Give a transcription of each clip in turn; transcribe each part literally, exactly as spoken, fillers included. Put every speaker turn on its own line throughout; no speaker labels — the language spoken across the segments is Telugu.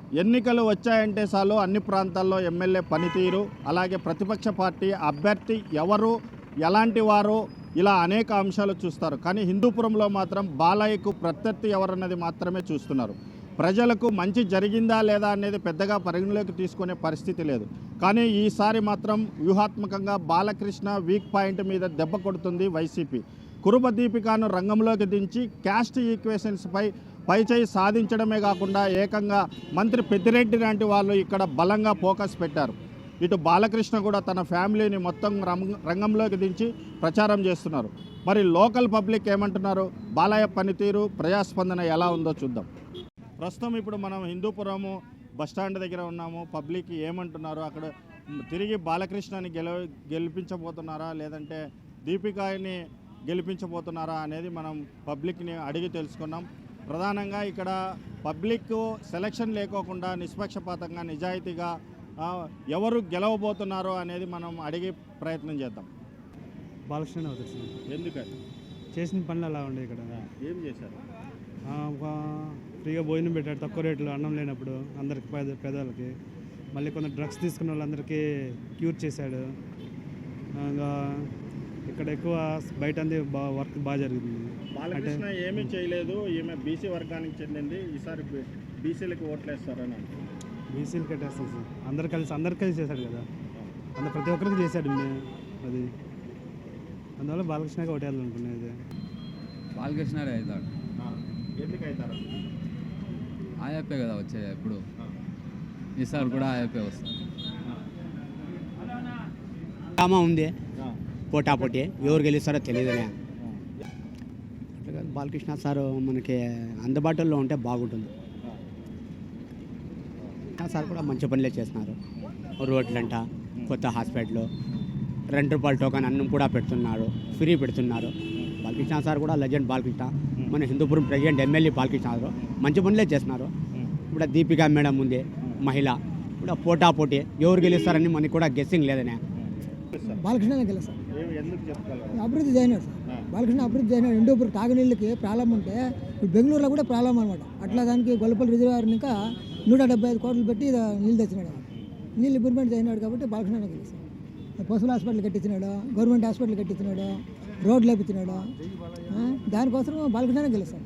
ఎన్నికలు వచ్చాయంటే చాలు అన్ని ప్రాంతాల్లో ఎమ్మెల్యే పనితీరు, అలాగే ప్రతిపక్ష పార్టీ అభ్యర్థి ఎవరు, ఎలాంటి వారు, ఇలా అనేక అంశాలు చూస్తారు. కానీ హిందూపురంలో మాత్రం బాలయ్యకు ప్రత్యర్థి ఎవరన్నది మాత్రమే చూస్తున్నారు. ప్రజలకు మంచి జరిగిందా లేదా అనేది పెద్దగా పరిగణలోకి తీసుకునే పరిస్థితి లేదు. కానీ ఈసారి మాత్రం వ్యూహాత్మకంగా బాలకృష్ణ వీక్ పాయింట్ మీద దెబ్బ కొడుతుంది వైసీపీ. కురుబ దీపికాను రంగంలోకి దించి క్యాస్ట్ ఈక్వేషన్స్పై పైచేయి సాధించడమే కాకుండా ఏకంగా మంత్రి పెద్దిరెడ్డి లాంటి వాళ్ళు ఇక్కడ బలంగా ఫోకస్ పెట్టారు. ఇటు బాలకృష్ణ కూడా తన ఫ్యామిలీని మొత్తం రంగంలోకి దించి ప్రచారం చేస్తున్నారు. మరి లోకల్ పబ్లిక్ ఏమంటున్నారు, బాలయ్య పనితీరు, ప్రజాస్పందన ఎలా ఉందో చూద్దాం. ప్రస్తుతం ఇప్పుడు మనం హిందూపురము బస్టాండ్ దగ్గర ఉన్నాము. పబ్లిక్ ఏమంటున్నారు, అక్కడ తిరిగి బాలకృష్ణని గెల గెలిపించబోతున్నారా లేదంటే దీపికాని గెలిపించబోతున్నారా అనేది మనం పబ్లిక్ని అడిగి తెలుసుకున్నాం. ప్రధానంగా ఇక్కడ పబ్లిక్ సెలక్షన్ లేకోకుండా నిష్పక్షపాతంగా నిజాయితీగా ఎవరు గెలవబోతున్నారో అనేది మనం అడిగే ప్రయత్నం చేద్దాం.
బాలకృష్ణ అవుతుంది.
ఎందుకని?
చేసిన పనులు అలా ఉండే. ఇక్కడ
ఏం చేశారు?
ఫ్రీగా భోజనం పెట్టాడు, తక్కువ రేట్లో అన్నం లేనప్పుడు అందరికి పేద పేదవాళ్ళకి. మళ్ళీ కొంత డ్రగ్స్ తీసుకున్న వాళ్ళందరికీ క్యూర్ చేశాడు. ఇంకా ఇక్కడ ఎక్కువ బయట అంది బా వర్క్ బాగా జరుగుతుంది.
బాలకృష్ణ ఏమీ చేయలేదు, ఈమె బీసీ వర్గానికి చెందింది, ఈసారి బీసీలకు ఓట్లు వేస్తారని.
బీసీలు కట్టేస్తాం సార్, అందరు కలిసి అందరు కలిసి చేశాడు కదా, అందరు ప్రతి ఒక్కరికి చేశాడు. అది అందువల్ల బాలకృష్ణగా ఓటేయాలనుకునేది.
బాలకృష్ణ అవుతాడు.
ఎందుకు అవుతారు?
ఆయప్పే కదా వచ్చేది ఎప్పుడు, ఈసారి కూడా ఆయప్పే వస్తుంది.
ఉంది పోటాపోటీ, ఎవరు గెలుస్తారో తెలియదులే. బాలకృష్ణ సార్ మనకి అందుబాటులో ఉంటే బాగుంటుంది. సార్ కూడా మంచి పనులే చేస్తున్నారు. రోడ్లంట, కొత్త హాస్పిటల్, రెండు రూపాయల టోకన్ అన్నం కూడా పెడుతున్నారు, ఫ్రీ పెడుతున్నారు. బాలకృష్ణ సార్ కూడా లెజెండ్. బాలకృష్ణ మన Hindupur president MLA Balakrishna sir మంచి పనులే చేస్తున్నారు. ఇప్పుడు దీపికా మేడం ఉంది, మహిళ. ఇప్పుడు పోటాపోటీ ఎవరు గెలుస్తారని మనకి కూడా గెస్సింగ్ లేదనే.
బాలకృష్ణ గెలుస్తారు. అభివృద్ధి చేయనాడు సార్. బాలకృష్ణ అభివృద్ధి చేయనాడు. హిందూపురం తాగునీళ్ళకి ప్రాబ్లం ఉంటే ఇప్పుడు బెంగళూరులో కూడా ప్రాబ్లం అనమాట. అట్లా దానికి గొల్లపల్లి రిజర్వాయర్ ఇంకా నూట డెబ్బై ఐదు కోట్లు పెట్టి నీళ్ళు తెచ్చినాడు. నీళ్ళు ఇంప్రూవ్మెంట్ చేయనాడు కాబట్టి బాలకృష్ణ గెలుస్తాడు. పశువుల హాస్పిటల్ కట్టించినాడు, గవర్నమెంట్ హాస్పిటల్ కట్టించినాడు, రోడ్లు వేపించినాడు. దానికోసం బాలకృష్ణ గెలుస్తాడు.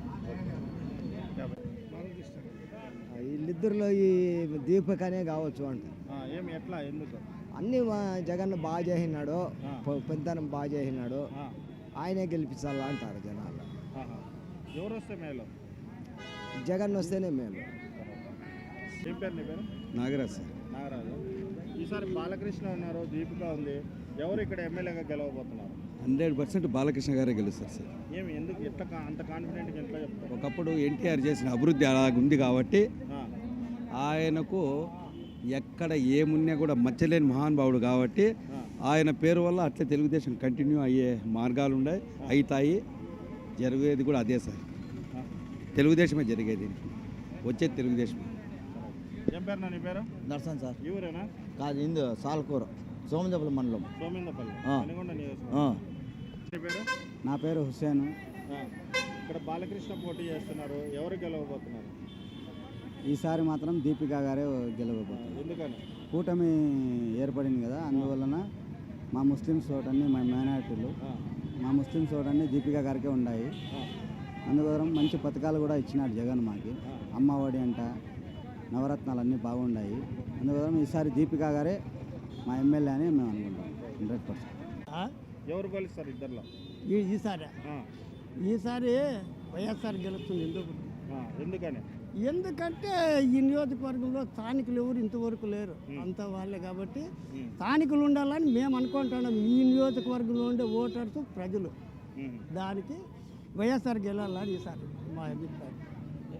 వీళ్ళిద్దరిలో ఈ దీపికనే కావచ్చు అంట.
ఎట్లా, ఎందుకు?
అన్నీ జగన్ బాగా చేసినాడు, పెద్దనం బాగా చేసినాడు, ఆయనే గెలిపించాలా అంటారు జనాలు.
ఎవరు వస్తే మేలు?
జగన్ వస్తేనే మేలు.
ఏం పేరు నీ పేరు?
నాగరాజు సార్.
నాగరాజు. ఈసారి బాలకృష్ణ ఉన్నారు, దీపిక ఉంది, ఎవరు ఇక్కడ ఎమ్మెల్యేగా గెలవబోతున్నారు?
హండ్రెడ్ పర్సెంట్ బాలకృష్ణ గారే గెలుస్తారు సార్.
ఏమి, ఎందుకు ఎట్లా అంత కాన్ఫిడెంట్గా ఎట్లా చెప్తారు?
ఒకప్పుడు ఎన్టీఆర్ చేసిన అభివృద్ధి అలాగుంది కాబట్టి ఆయనకు ఎక్కడ ఏమున్నా కూడా మచ్చలేని మహానుభావుడు కాబట్టి ఆయన పేరు వల్ల అట్లే తెలుగుదేశం కంటిన్యూ అయ్యే మార్గాలు ఉన్నాయి, అవుతాయి. జరిగేది కూడా అదే సార్, తెలుగుదేశమే జరిగేది, వచ్చేది తెలుగుదేశం.
ఏం పేరు? నీ పేరు?
నర్సన్ సార్.
ఈ ఊరేనా?
కాదు, ఇందు సాల్కూర, సోమదేపల్లి మండలం.
సోమేందపల్లి. నీ పేరు?
నా పేరు హుస్సేన్.
ఇక్కడ బాలకృష్ణ పోటీ చేస్తున్నారు, ఎవరు గెలవబోతున్నారు?
ఈసారి మాత్రం దీపికా గారే గెలవబోతున్నారు.
ఎందుకని?
కూటమి ఏర్పడింది కదా, అందువలన మా ముస్లిమ్స్ ఓటన్నీ, మా మైనారిటీలు మా ముస్లిమ్స్ ఓటన్నీ దీపికా గారికే ఉన్నాయి. అందువల్ల మంచి పథకాలు కూడా ఇచ్చినాడు జగన్ మాకి. అమ్మఒడి అంట, నవరత్నాలు అన్నీ బాగున్నాయి. అందువల్ల ఈసారి దీపికా గారే మా ఎమ్మెల్యే అని మేము అనుకుంటాం. Hundred percent.
ఎవరు గెలుస్తారు ఇద్దరులో?
ఈసారి ఈసారి వైఎస్ఆర్ గెలుస్తుంది. ఎందుకు?
ఎందుకని?
ఎందుకంటే ఈ నియోజకవర్గంలో స్థానికులు ఎవరు ఇంతవరకు లేరు, అంత వాళ్ళే. కాబట్టి స్థానికులు ఉండాలని మేము అనుకుంటున్నాం. ఈ నియోజకవర్గంలో ఉండే ఓటర్స్ ప్రజలు, దానికి వైఎస్ఆర్ గెలాలని ఈసారి మా అభిప్రాయం.